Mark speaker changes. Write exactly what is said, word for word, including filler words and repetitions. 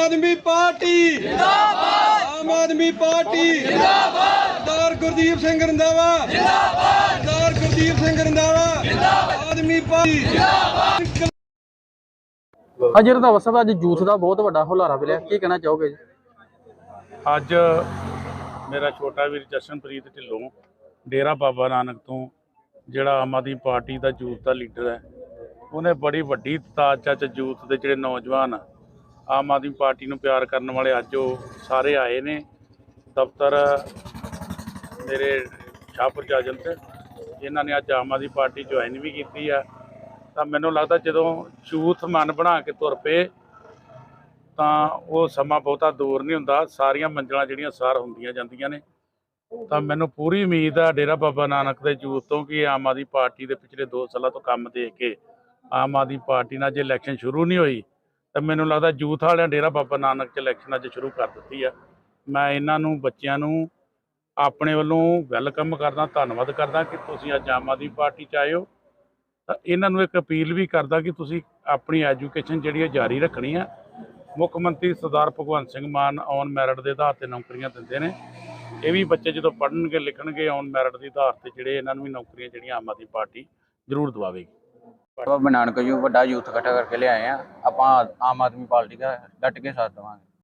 Speaker 1: आदमी पार्टी जिंदाबाद, आम आदमी पार्टी जिंदाबाद, सरदार गुरदीप सिंह रंधावा जिंदाबाद, सरदार गुरदीप सिंह रंधावा जिंदाबाद, आदमी पार्टी जिंदाबाद।
Speaker 2: ਹਾਂਜੀ ਰੰਧਾਵਾ ਸਾਹਿਬ, ਅੱਜ ਯੂਥ ਦਾ ਬਹੁਤ ਵੱਡਾ ਹੁਲਾਰਾ ਮਿਲਿਆ, ਕੀ ਕਹਿਣਾ ਚਾਹੋਗੇ ਜੀ?
Speaker 3: ਅੱਜ ਮੇਰਾ ਛੋਟਾ ਵੀਰ ਜਸ਼ਨਪ੍ਰੀਤ ਢਿੱਲੋਂ ਡੇਰਾ ਬਾਬਾ ਨਾਨਕ ਤੋਂ ਜਿਹੜਾ ਆਮ ਆਦਮੀ ਪਾਰਟੀ ਦਾ ਯੂਥ ਦਾ ਲੀਡਰ ਹੈ, ਉਹਨੇ ਬੜੀ ਵੱਡੀ ਤਾਦਾਦ 'ਚ ਯੂਥ ਦੇ ਜਿਹੜੇ ਨੌਜਵਾਨ ਆਮ ਆਦਮੀ ਪਾਰਟੀ ਨੂੰ ਪਿਆਰ ਕਰਨ ਵਾਲੇ ਅੱਜ ਉਹ ਸਾਰੇ ਆਏ ਨੇ ਦਫ਼ਤਰ ਮੇਰੇ ਸ਼ਾਹਪੁਰ ਜਾਜਨ 'ਤੇ। ਇਹਨਾਂ ਨੇ ਅੱਜ ਆਮ ਆਦਮੀ ਪਾਰਟੀ ਜੁਆਇਨ ਵੀ ਕੀਤੀ ਆ। ਤਾਂ ਮੈਨੂੰ ਲੱਗਦਾ ਜਦੋਂ ਯੂਥ ਮਨ ਬਣਾ ਕੇ ਤੁਰ ਪਏ ਤਾਂ ਉਹ ਸਮਾਂ ਬਹੁਤਾ ਦੂਰ ਨਹੀਂ ਹੁੰਦਾ, ਸਾਰੀਆਂ ਮੰਜ਼ਿਲਾਂ ਜਿਹੜੀਆਂ ਸਾਰ ਹੁੰਦੀਆਂ ਜਾਂਦੀਆਂ ਨੇ। ਤਾਂ ਮੈਨੂੰ ਪੂਰੀ ਉਮੀਦ ਆ ਡੇਰਾ ਬਾਬਾ ਨਾਨਕ ਦੇ ਯੂਥ ਤੋਂ ਕਿ ਆਮ ਆਦਮੀ ਪਾਰਟੀ ਦੇ ਪਿਛਲੇ ਦੋ ਸਾਲਾਂ ਤੋਂ ਕੰਮ ਦੇਖ ਕੇ ਆਮ ਆਦਮੀ ਪਾਰਟੀ ਨਾਲ ਜੇ ਇਲੈਕਸ਼ਨ ਸ਼ੁਰੂ ਨਹੀਂ ਹੋਈ ਤਾਂ ਮੈਨੂੰ ਲੱਗਦਾ ਯੂਥ ਵਾਲਿਆਂ ਡੇਰਾ ਬਾਬਾ ਨਾਨਕ 'ਚ ਇਲੈਕਸ਼ਨ ਅੱਜ ਸ਼ੁਰੂ ਕਰ ਦਿੱਤੀ ਆ। ਮੈਂ ਇਹਨਾਂ ਨੂੰ ਬੱਚਿਆਂ ਨੂੰ ਆਪਣੇ ਵੱਲੋਂ ਵੈਲਕਮ ਕਰਦਾ, ਧੰਨਵਾਦ ਕਰਦਾ ਕਿ ਤੁਸੀਂ ਅੱਜ ਆਮ ਆਦਮੀ ਪਾਰਟੀ 'ਚ ਆਏ ਹੋ। ਤਾਂ ਇਹਨਾਂ ਨੂੰ ਇੱਕ ਅਪੀਲ ਵੀ ਕਰਦਾ ਕਿ ਤੁਸੀਂ ਆਪਣੀ ਐਜੂਕੇਸ਼ਨ ਜਿਹੜੀ ਹੈ ਜਾਰੀ ਰੱਖਣੀ ਆ। ਮੁੱਖ ਮੰਤਰੀ ਸਰਦਾਰ ਭਗਵੰਤ ਸਿੰਘ ਮਾਨ ਔਨ ਮੈਰਿਟ ਦੇ ਆਧਾਰ 'ਤੇ ਨੌਕਰੀਆਂ ਦਿੰਦੇ ਨੇ। ਇਹ ਵੀ ਬੱਚੇ ਜਦੋਂ ਪੜ੍ਹਨਗੇ ਲਿਖਣਗੇ ਔਨ ਮੈਰਿਟ ਦੇ ਆਧਾਰ 'ਤੇ ਜਿਹੜੇ ਇਹਨਾਂ ਨੂੰ ਵੀ ਨੌਕਰੀਆਂ ਜਿਹੜੀਆਂ ਆਮ ਆਦਮੀ ਪਾਰਟੀ ਜ਼ਰੂਰ ਦਵਾਵੇਗੀ।
Speaker 4: ਬਾਬਾ ਨਾਨਕ ਜੀ ਵੱਡਾ ਯੂਥ ਇਕੱਠਾ ਕਰਕੇ ਲਿਆਏ ਆ, ਆਪਾਂ ਆਮ ਆਦਮੀ ਪਾਰਟੀ ਦਾ ਡਟ ਕੇ ਸਾਥ ਦੇਵਾਂਗੇ।